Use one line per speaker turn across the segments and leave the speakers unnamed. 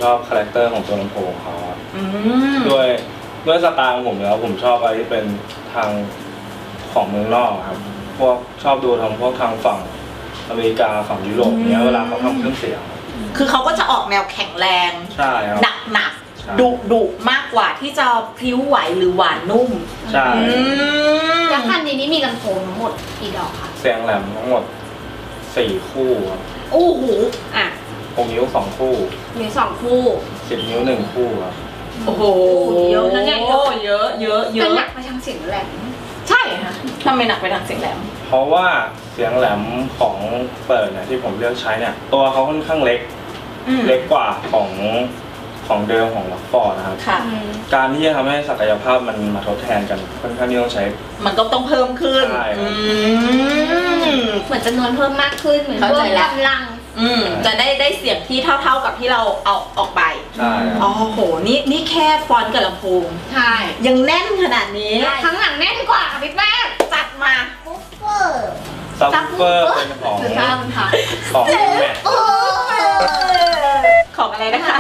ชอบคาแรคเตอร์ของตัวลำโพงเขาด้วยสไตล์ของผมแล้วผมชอบอะไรที่เป็นทางของเมืองนอกครับพวกชอบดูพวกทางฝั่งอเมริกาฝั่งยุโรปเนี้ยเวลาเขาทำเครื่องเสียง
คือเขาก็จะออกแนวแข็งแรง
ใช่ครับ
หนักดุมากกว่าที่จะพลิ้วไหวหรือหวานนุ่ม
ใช่
แล้วคันนี้มีลำโพงทั้งหมดกี่ดอกคะ
เสียงแหลมทั้งหมด4 คู่ครับ
โอ้โห
6 นิ้ว2 คู่
มี2 คู่
10 นิ้ว1 คู่ครับ
โอ้โหเยอะนะเนี่ยเยอะ
แต่หนักไปทางเสียงแหลม
ใช่ค่ะทำไมหนักไปทางเสียงแหลม
เพราะว่าเสียงแหลมของเปิดเนี่ยที่ผมเลือกใช้เนี่ยตัวเขาค่อนข้างเล็กกว่าของเดิมของล็อกฟอร์ดนะครับการที่จะทำให้ศักยภาพมันมาทดแทนกันค่อนข้างที่ต้องใช้
มันก็ต้องเพิ่มขึ้น
เหมือนจำนวนเพิ่มมากขึ้นเหมือนเพิ่มกำลัง
จะได้เสียงที่เท่ากับที่เราเอาออกไป
ใช่
อ๋อโหนี่แค่ฟอนต์กับลำโพง
ใช่
ยังแน่นขนาดนี้
ทั้งหลังแน่นกว่าพี่แป้ง
จัดมา
ซับเฟอร์เป็นของแมท
ของอะไรนะคะ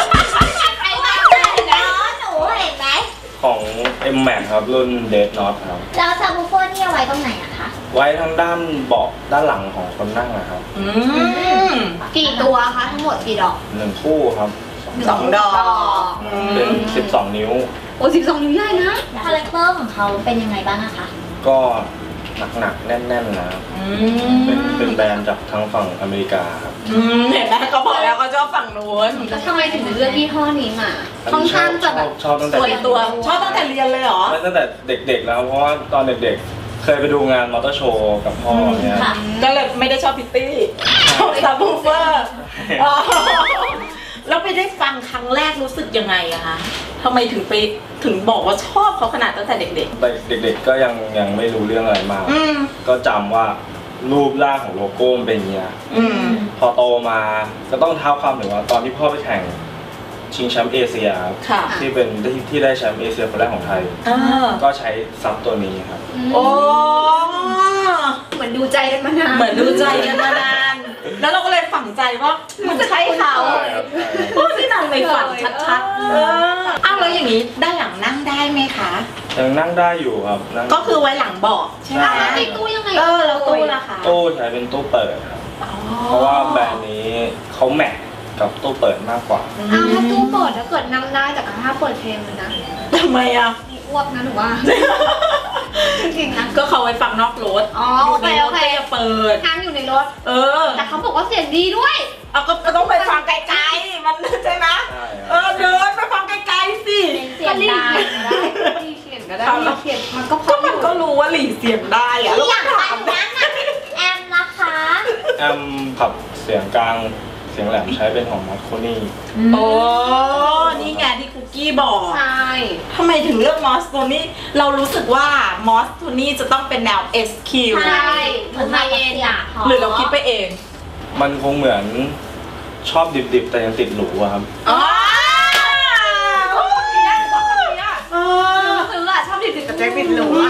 ของ M Max ครับรุ่น Dead Knot ครับ
แล้วซับวูเฟอร์นี่เอาไว้ตรงไหนอะคะ
ไว้ทางด้านเบาะด้านหลังของคนนั่งนะครับ
กี่ตัวคะทั้งหมดกี่ดอก
1 คู่ครับ
2 ดอก
เป็น12 นิ้ว
โอ้12 นิ้วใหญ่นะคาแรคเตอร์ของเขาเป็นยังไงบ้างคะ
ก็หนักแน่นๆนะเป็นแบรนด์จากทางฝั่งอเมริกาครับ
เห็นไหมเขาบอกแล้วเขาชอบฝั่งนู้น
แล้วทำไมถึงเลือกยี่ห้อนี้มาค่อนข้างจะแบบ
ชอบตั้งแต่
ชอบตั้งแต่เรียนเลยเหรอ
ตั้งแต่เด็กๆแล้วเพราะว่าตอนเด็กๆเคยไปดูงานมอเตอร์โชว์กับพ่อเนี่ย
ก็เลยไม่ได้ชอบพิตตี้ชอบซับวูเฟอร์แล้วไปได้ฟังครั้งแรกรู้สึกยังไงอะคะทำไมถึงบอกว่าชอบเขาขนาดตั้งแต่เด็ก
ๆก็ยังไม่รู้เรื่องอะไรมากก็จำว่ารูปร่างของโลโก้มันเป็นอย่างเงี้ยพอโตมาก็ต้องเท้าความถึงว่าตอนที่พ่อไปแข่งชิงแชมป์เอเชียที่เป็นที่ได้แชมป์เอเชียคนแรกของไทยก็ใช้ซับตัวนี้ครับ
โอ้
เหมือนดูใจกันมานาน
แล้วเราก็เลยฝังใจว่ามันใช่เขาพวกที่นั่งในฝันชัดๆอ้าวแล้วอย่างนี้ด้านหลังนั่งได้ไหมคะ
ยังนั่งได้อยู่ครับ
ก็คือไว้หลังเบาะใช่ไหม
ติดตู้ยังไง
แล้วตู้ล่ะคะ
ตู้ใช้เป็นตู้เปิดครับเพราะว่าแบรนด์นี้เขาแมทกับตู้เปิดมากกว่า
ถ้าตู้เปิดถ้าเกิดนั่งได้แต่ถ้าเปิดเพลงเลยนะ
ทำไมอะ
อ้วกนะหนูว่าจริงๆนะ
ก็เขาไว้ฟังนอกรถ
อยู่ในรถ
จะเปิด
ห้ามอยู่ในรถแต่เขาบอกว่าเสียงดีด้วย
ก็ต้องไปฟังไกลๆมันใช่ไหมเดินไปฟังไกลๆสิ
เสียงได้เสียงก็ได้เสียงมัน
ก็รู้ว่าหลีเสียงได้อะ
แล้วอย่างไรนั้นแอมนะคะ
แอมผับเสียงกลางเสียงแหลมใช้เป็นของมอสโคนี่
โอ้นี่ไงที่คุกกี้บอก
ใช่
ทำไมถึงเลือกมอสโคนี่เรารู้สึกว่ามอสโคนี่จะต้องเป็นแนว SQ
ใช่เหมือนไฮเอ็นอะ
หรือเราคิดไปเอง
มันคงเหมือนชอบดิบๆแต่ยังติดหรูอะครับ
คือว่าชอบดิบๆแต่ยังติดหรู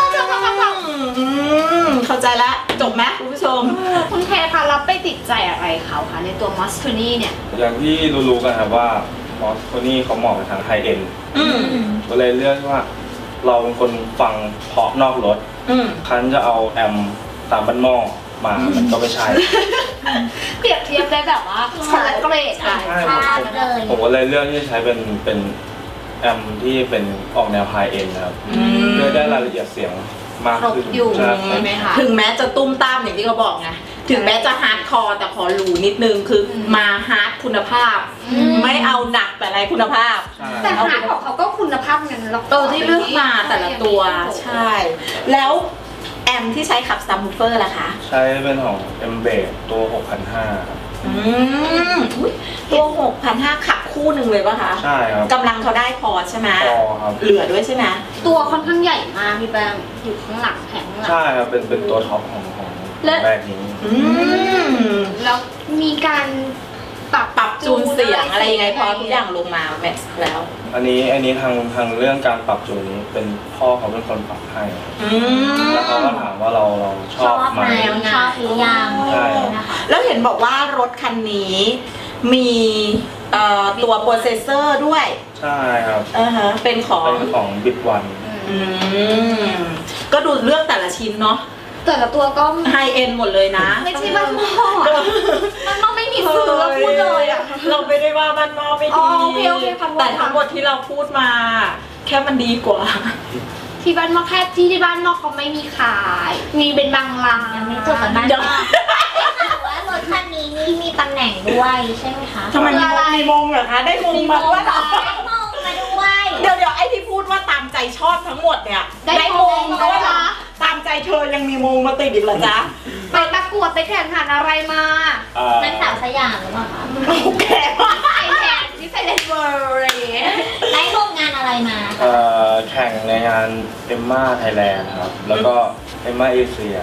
เข้าใจแล้วจบไหมคุณผู้ชม
คุณเทคะรับไปติดใจอะไรเขาคะในตัวมอสโคนี่เนี่ย
อย่างที่รู้ๆกันครับว่ามอสโคนี่เขาเหมาะกับทางไฮเอ็นก็เลยเลือกว่าเราเป็นคนฟังเพาะนอกรถคันจะเอาแอมตามบ้านหม้อมามันก็ไม่ใช่
เปรียบเทียบได้แบบว่าคนละเกรดค่ะ
ผมก็เลยเลือกที่จะใช้เป็นแอมที่เป็นออกแนวไฮเอ็นนะครับเพื่อได้รายละเอียดเสียงมากขึ้น
ใช่ไหมคะถึงแม้จะตุ้มตามอย่างที่เขาบอกไงถึงแม้จะฮาร์ดคอร์แต่ขอหรูนิดนึงคือมาฮาร์ดคุณภาพไม่เอาหนักแต่ไรคุณภาพ
แต่ฮาร์ดของเขาก็คุณภาพเงิน
ที่เลือกมาแต่ละตัวใช่แล้วแอมที่ใช้ขับซับวูเฟอร์ล่ะคะ
ใช้เป็นของ M Bass ตัว 6,500 ครับ
ตัว 6,500 ขับคู่หนึ่งเลยป่ะคะ
ใช่ครับ
กำลังเขาได้พอใช่ไหม
พอครับ
เหลือด้วยใช่ไหม
ตัวค่อนข้างใหญ่มากพี่แบงอยู่ข้างหลังแข็ง
ใช่ครับเป็นตัวท็อปของแบรนด์นี้
แล้วมีการปรับ
จูนเสียงอะไรยังไงพอทุกอย่างลงมาแมทแล้ว
อันนี้ทางเรื่องการปรับจูนนี้เป็นพ่อเขาเป็นคนปรับให้แล้วเขาก็ถามว่าเราชอบไหม
ชอบหรือยัง
ใช่
แล้วเห็นบอกว่ารถคันนี้มีตัวโปรเซสเซอร์ด้วย
ใช่ครับ
เป็นของ
บิตวัน
ก็ดูเลือกแต่ละชิ้นเนาะ
แต่ละตัวก็
ไฮเอ็นหมดเลยนะ
ไม่ใช่บ้านนอกบ้านนอกไม่มีซื้อพูดเลยอ่ะ
เราไม่ได้ว่าบ้านนอกไม่ดีแต่ทั้งหมดที่เราพูดมาแค่มันดีกว่า
ที่บ้านนอกแค่ที่บ้านนอกเขาไม่มีขายมีเป็นบางร้าน
ยังไม่จบกับบ้านนอกว่ารถคันนี้นี่มีตำแหน่งด้วยใช่ไหมคะ
ทำไมมีมงเหรอคะได้มงมาด้วย
ได้มงมาด้วย
เดี๋ยวไอ้ที่พูดว่าตามใจชอบทั้งหมดเนี่ยได้มงด้วยเหรอตามใจเธอยังมีมงมาติดอีกเหรอจ๊ะ
ไปประกวดไปแข่งขันอะไรมา
นักสาวสยามหรือเปล่าคะ
โอเค
ใส่แทนที่ใส่เลนเวอร์อะไรอย่างเงี้ย
ได้ร่วมงานอะไรมา
แข่งในงานเอมม่าไทยแลนด์ครับแล้วก็เอมม่าเอเชีย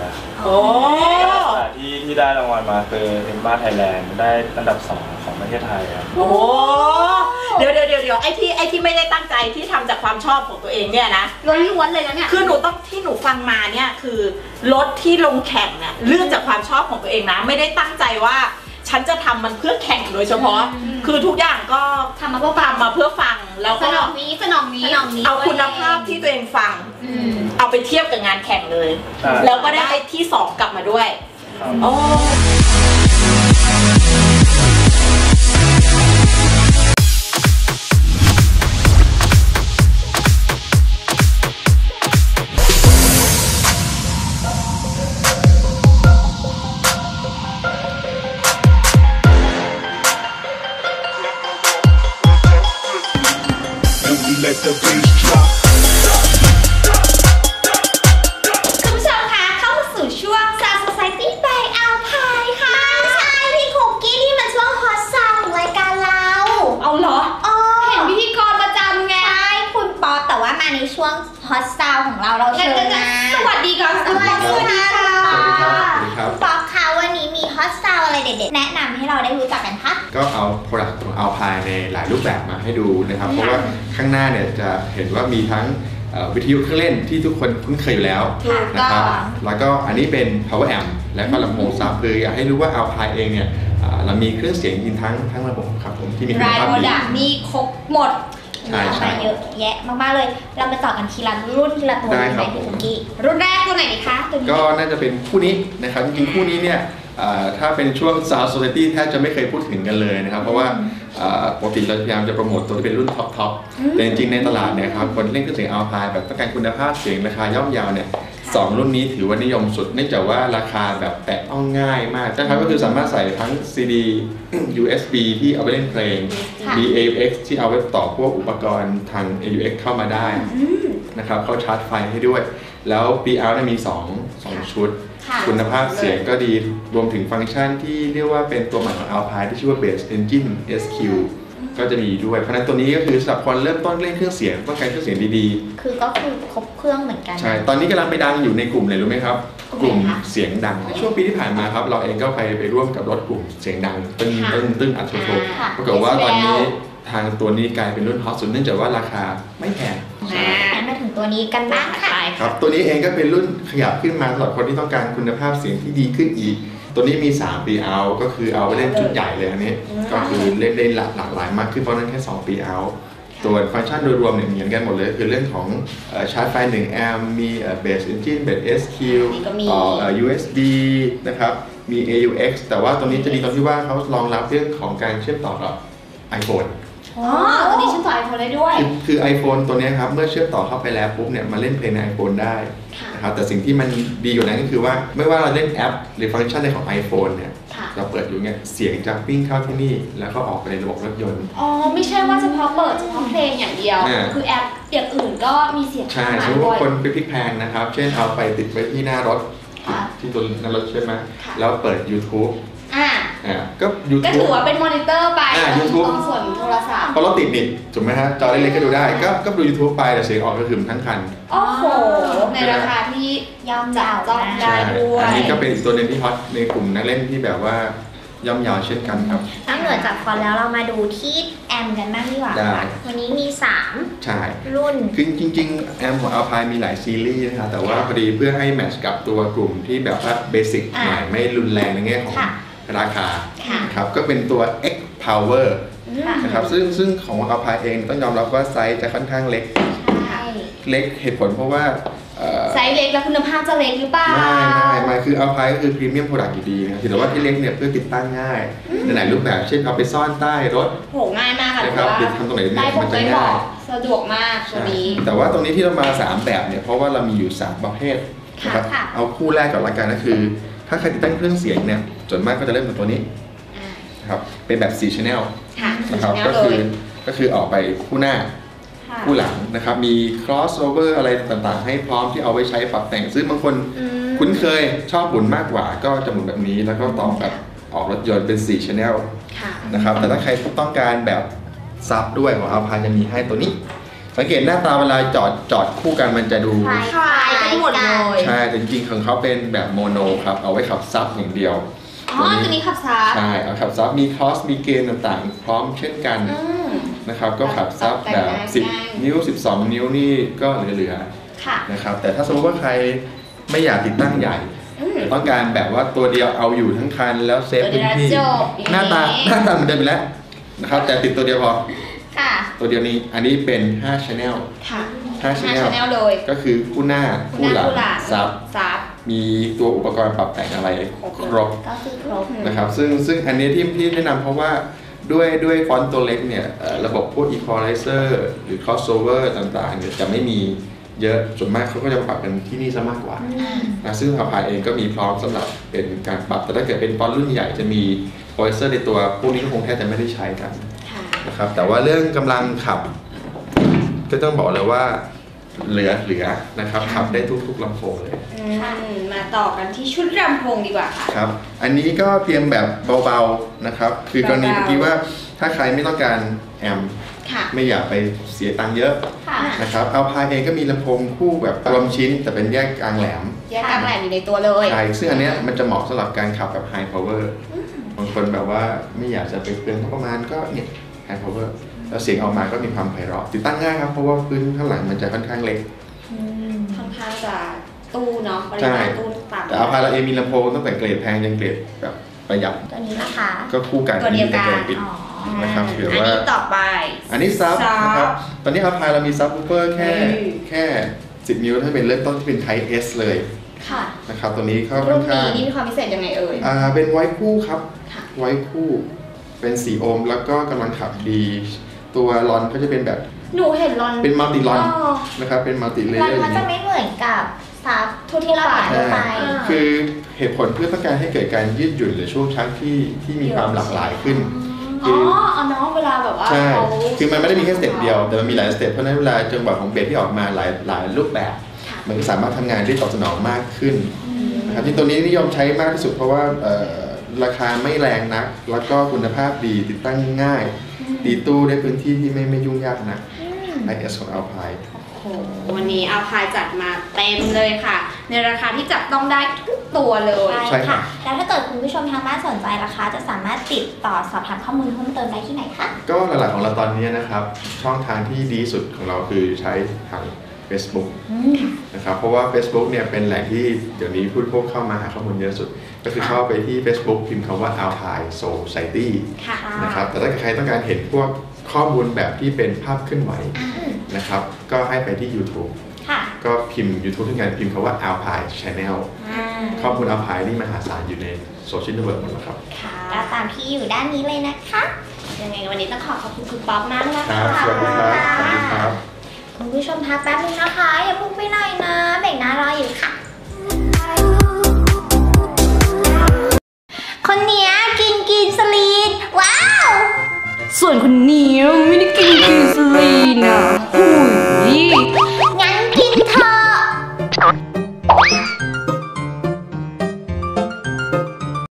ที่ได้รางวัลมาคือเอมม่าไทยแลนด์ได้อันดับ2ของประเทศไทยครับ
โอ้เดี๋ยวไอ้ที่ไม่ได้ตั้งใจที่ทำจากความชอบของตัวเองเนี่ยนะ
ล้วนๆเลยนะเนี่ย
คือหนูต้องที่หนูฟังมาเนี่ยคือรถที่ลงแข่งเนี่ยเลือกจากความชอบของตัวเองนะไม่ได้ตั้งใจว่าฉันจะทำมันเพื่อแข่งโดยเฉพาะคือทุกอย่างก็
ทำมาเพื่อ
ฟังแล้วก็
สนองนี้
เอาคุณภาพที่ตัวเองฟังเอาไปเทียบกับงานแข่งเลยแล้วก็ได้ที่2กลับมาด้วยโอ้
คุณผู้ชมคะเข้าสู่ช่วง Star Society by Alpine ค่ะ
ใช่พี่คุกกี้ที่มันช่วงฮอตซาวของรายการเรา
เอาเหรอเห็นพิธีกรประจำไง
ใช่คุณป๊อปแต่ว่ามาในช่วงฮอตซาวของเราเชิญนะ
สวัสดีค่ะ
สวัสดีค่ะคุณป๊อปคะวันนี้มีฮอตซาวอะไรเด็ดๆแนะนำให้เราได้รู้จักกันคะ
ก็เอา product ของ Alpine ในหลายรูปแบบมาให้ดูนะครับเพราะว่าข้างหน้าเนี่ยจะเห็นว่ามีทั้งวิทยุเครื่องเล่นที่ทุกคนคุ้นเคยอยู่แล้วนะครับแล้วก็อันนี้เป็น power amp และก็ลำโพงซับคืออยากให้รู้ว่า Alpine เองเนี่ยเรามีเครื่องเสียงยินทั้งระบบครับผมที่มีคุณภาพดี
มีครบหมด
มาเยอะแยะมากๆเลยเราไปต่อกันทีละรุ่นทีละตัว
ได้ครับ
รุ่นแรกตัวไหนดีคะ
ก็น่าจะเป็นคู่นี้นะครับจริงๆคู่นี้เนี่ยถ้าเป็นช่วง Sound Society แทบจะไม่เคยพูดถึงกันเลยนะครับเพราะว่าปกติเราพยายามจะโปรโมทตัวที่เป็นรุ่นท็อปแต่จริงๆในตลาดเนี่ยครับคนเล่นเครื่องเสียง Alpine แบบต้องการคุณภาพเสียงราคาย่อมเยาเนี่ย2รุ่นนี้ถือว่านิยมสุดเนื่องจากว่าราคาแบบแตะต้องง่ายมากนะครับก็คือสามารถใส่ทั้ง CD USB ที่เอาไปเล่นเพลง AUX ที่เอาไว้ต่อพวกอุปกรณ์ทาง AUX เข้ามาได้นะครับเขาชาร์จไฟให้ด้วยแล้ว PL มี2ชุดคุณภาพเสียงก็ดีรวมถึงฟังก์ชันที่เรียกว่าเป็นตัวใหม่ของ Alpine ที่ชื่อว่า Bass Engine SQ ก็จะมีด้วยเพราะนั้นตัวนี้ก็คือสำหรับคนเริ่มต้นเล่นเครื่องเสียงต้องการเครื่องเสียงดี
ๆคือก็คือครบเครื่องเหมือนกัน
ใช่ตอนนี้กำลังไปดังอยู่ในกลุ่มเลยรู้ไหมครับกลุ่มเสียงดังในช่วงปีที่ผ่านมาครับเราเองก็ไปร่วมกับรถกลุ่มเสียงดังตึ้งอัดโชว์ปรากฏว่าตอนนี้ทางตัวนี้กลายเป็นรุ่นฮอตสุดเนื่องจากว่าราคาไม่แพง
มาถึงตัวนี้กันบ้างค่ะ
ครับตัวนี้เองก็เป็นรุ่นขยับขึ้นมาสำหรับคนที่ต้องการคุณภาพเสียงที่ดีขึ้นอีกตัวนี้มี3 ปีเอาก็คือเอาไปเล่นชุดใหญ่เลยอันนี้ก็คือเล่นได้หลากหลายมากขึ้นเพราะนั้นแค่2 ปีเอาตัวฟังก์ชันโดยรวมเนี่ยเหมือนกันหมดเลยคือเรื่องของชาร์จไฟ1 แอมป์มี Bass Engine Bass SQ ต่อUSB นะครับมี AUX แต่ว่าตัวนี้จะดีตรงที่ว่าเขารองรับเรื่องของการเชื่อมต่อกับ iPhone
ตัวนี้เชื่อมต่อ iPhone ได้ด้วย
คือ iPhone ตัวนี้ครับเมื่อเชื่อมต่อเข้าไปแล้วปุ๊บเนี่ยมาเล่นเพลงใน iPhone ได้นะครับแต่สิ่งที่มันดีกว่านั้นก็คือว่าไม่ว่าเราเล่นแอปหรือฟังก์ชันในของ iPhone เนี่ยเราเปิดอยู่เนี่ยเสียงจะวิ่งเข้าที่นี่แล้วก็ออกไปในระบบรถยนต์
ไม่ใช่ว่าเฉพาะเปิดเฉพาะเพลงอย่างเดียวคือแอปอย่างอื่นก็มีเสียง
ใช่สมมติว่าคนไปพลิกแพลงนะครับเช่นเอาไปติดไว้ที่หน้ารถที่ตัวหน้ารถใช่ไหมแล้วเปิด YouTubeก็ YouTube
ก็ถือว่าเป็นมอนิเตอร์ไปYouTube ตรงส่วนโทรศัพท์
พอเราติดนิดถูกไหมฮะจอเล็กๆก็ดูได้ก็ดู YouTube ไปแต่เสียงออกก็คือทั้งคัน
โอ้โหในราคาที่ย่อมเยาได้ด้วย
อันนี้ก็เป็นอีกตัวนึงที่ฮอตในกลุ่มนักเล่นที่แบบว่าย่อมเยาวเช่นกันครับ
นอกเหนือจากฟอนแล้วเรามาดูที่แอมกันบ้างดีกว่าวันนี้มี3
ใช่
รุ่น
คือจริงๆแอมของ Alpine มีหลายซีรีส์นะคะแต่ว่าพอดีเพื่อให้แมทช์กับตัวกลุ่มที่แบบว่าเบสิกหน่อยไม่รุนแรงในแง่ของราคาครับก็เป็นตัว X power นะครับซึ่งของอัลพายเองต้องยอมรับว่าไซส์จะค่อนข้างเล็กเล็กเหตุผลเพราะว่า
ไซส์เล็กแล้วคุณภาพจะเล็กหรือเปล่า
ไม่คืออัลพายก็คือพรีเมียมโปรดักต์อยู่ดีนะครับแต่ว่าที่เล็กเนี่ยเพื่อติดตั้งง่ายในหลายรูปแบบเช่นเอาไปซ่อนใต้รถ
โหง่ายมากค่ะ
นะครับติดทำตรงไหนเนี่ยมันจะง่าย
สะดวกมากตัวนี้
แต่ว่าตรงนี้ที่เรามา3แบบเนี่ยเพราะว่าเรามีอยู่3ประเภทนะครับเอาคู่แรกก่อนละกันก็คือถ้าใครติดตั้งเครื่องเสียงเนี่ยส่วนมากก็จะเริ่มจากตัวนี้นะครับเป็นแบบ4 channel นะครับก็คือออกไปคู่หน้าคู่หลังนะครับมี crossover อะไรต่างๆให้พร้อมที่เอาไว้ใช้ปรับแต่งซึ่งบางคนคุ้นเคยชอบหมุนมากกว่าก็จะหมุนแบบนี้แล้วก็ต่อแบบออกรถยนต์เป็น4 channel นะครับแต่ถ้าใครต้องการแบบซับด้วยของอัลพายจะมีให้ตัวนี้สังเกตหน้าตาเวลาจอดคู่กันมันจะดู
คล้ายกันหมดเลย
ใช่แต่จริงๆของเขาเป็นแบบโมโนครับเอาไว้ขับซับอย่างเดียว
ตัวนี้ขับซับ
ใช่เอาขับซับมีคอสมีเกณฑ์ต่างๆพร้อมเช่นกันนะครับก็ขับซับแบบ10 นิ้ว 12 นิ้วนี่ก็เหลือๆนะครับแต่ถ้าสมมติว่าใครไม่อยากติดตั้งใหญ่ต้องการแบบว่าตัวเดียวเอาอยู่ทั้งคันแล้วเซฟพื้นที่หน้าตาเหมือนเดิมไปแล้วนะครับแต่ติดตัวเดียวพอตัวเดียวนี้อันนี้เป็น5 channel 5 channel
เลย
ก็คือคู่หน้าคู่หลังซับมีตัวอุปกรณ์ปรับแต่งอะไรครบนะครับซึ่งอันนี้ที่แนะนำเพราะว่าด้วยฟอนต์ตัวเล็กเนี่ยระบบพวก equalizer หรือ crossover ต่างๆเนี่ยจะไม่มีเยอะส่วนมากเขาก็จะปรับกันที่นี่ซะมากกว่าซึ่งอัลพายเองก็มีพร้อมสำหรับเป็นการปรับแต่ถ้าเกิดเป็นฟอนต์รุ่นใหญ่จะมี equalizer ในตัวพวกนี้ก็คงแทบจะไม่ได้ใช้กันนะครับแต่ว่าเรื่องกำลังขับก็ต้องบอกเลยว่าเหลือนะครับขับได้ทุกลำโพงเลย
มาต่อกันที่ชุดลำโพงดีกว่าค่ะ
ครับอันนี้ก็เตรียมแบบเบาๆนะครับคือกรณีเมื่อกี้ว่าถ้าใครไม่ต้องการแอมไม่อยากไปเสียตังค์เยอะนะครับอัลพายเองก็มีลำโพงคู่แบบรวมชิ้นแต่เป็นแยกกลางแหลม
อยู่ในตัวเลย
ใช่ซึ่งอันนี้มันจะเหมาะสำหรับการขับแบบ high power บางคนแบบว่าไม่อยากจะไปเปลืองประมาณก็เนี่ย high power แล้วเสียงออกมาก็มีความไพเราะติดตั้งง่ายครับเพราะว่าพื้นข้างหลังมันจะค่อนข้างเล็ก
ค่อนข้างจะตู้เนาะปริมาณตู้ต่ำ
แต่อัลพายเราเองมีลำโพงตั้งแต่เกรดแพงยันเกรดแบบประหยัด
ตัวนี้นะคะ
ก็คู่กัน
ตัวเดียวกัน
นะครับถือว่า
ต่อไป
อันนี้ซับนะครับตอนนี้อัลพายเรามีซับวูฟเฟอร์แค่10 นิ้วถ้าเป็นเริ่มต้นที่เป็น Type S เลยนะครับตัวนี้เขา
ค่อนข้างนี่มีความพิเศษยังไงเอ่ย
เป็นไว้คู่ครับไว้คู่เป็น4 โอห์มแล้วก็กำลังขับดีตัวลอนก็จะเป็นแบบ
หนูเห็นลอน
เป็นมัลติลอนนะครับเป็นมัลติเลเยอร์
มันจะไม่เหมือนกับซับที่เราเห็นไป
คือเหตุผลเพื่อต้องการให้เกิดการยืดหยุ่นหรือช่วงชักที่มีความหลากหลายขึ้น
เนาะเวลาแบบว่า
ใช่คือมันไม่ได้มีแค่สเต็ปเดียวแต่มันมีหลายสเต็ปเพราะนั้นเวลาจังหวะของเบสที่ออกมาหลายรูปแบบมันก็สามารถทำงานได้ตอบสนองมากขึ้นนะครับที่ตัวนี้นิยมใช้มากที่สุดเพราะว่าราคาไม่แรงนักแล้วก็คุณภาพดีติดตั้งง่ายตีตู้ได้พื้นที่ที่ไม่ยุ่งยากนะ IS ของ Alpine
วันนี้อัลพายจัดมาเต็มเลยค่ะในราคาที่จับต้องได้ทุกตัวเลย
ใช่ค่ะแล้วถ้าเกิดคุณผู้ชมทางบ้านสนใจราคาจะสามารถติดต่อสอบถามข้อมูลเพิ่มเติมได้ที่ไหนคะ
ก็หลักๆของเราตอนนี้นะครับช่องทางที่ดีสุดของเราคือใช้ทาง Facebook นะครับเพราะว่า Facebook เนี่ยเป็นแหล่งที่เดี๋ยวนี้ผู้บริโภคเข้ามาหาข้อมูลเยอะสุดก็คือเข้าไปที่ Facebook พิมพ์คำว่า Alpine Society นะครับแต่ถ้าใครต้องการเห็นพวกข้อมูลแบบที่เป็นภาพเคลื่อนไหวนะครับก็ให้ไปที่ YouTube ก็พิมพ์ YouTube ที่งานพิมพ์คำว่า Alpine Channel ข้อมูล Alpine นี่มหาศาลอยู่ในโซเชียลเน็ตเวิร์กหมดแล้วครับ
ก็ตามที่อยู่ด้านนี้เลยนะคะ
ยังไงวันนี้ต้องขอบคุณคุณป๊อปมากนะคะ
สวัสดีครับสวัสดีครับ
คุณผู้ชมพักแป๊บนึงนะคะอย่าพุ่งไปไหนนะเบรกหน้ารออยู่ค่ะคนเนี้ยกินสลีนว้าว
ส่วนคนนี้ไม่ได้กินสลีนนะโอ้ย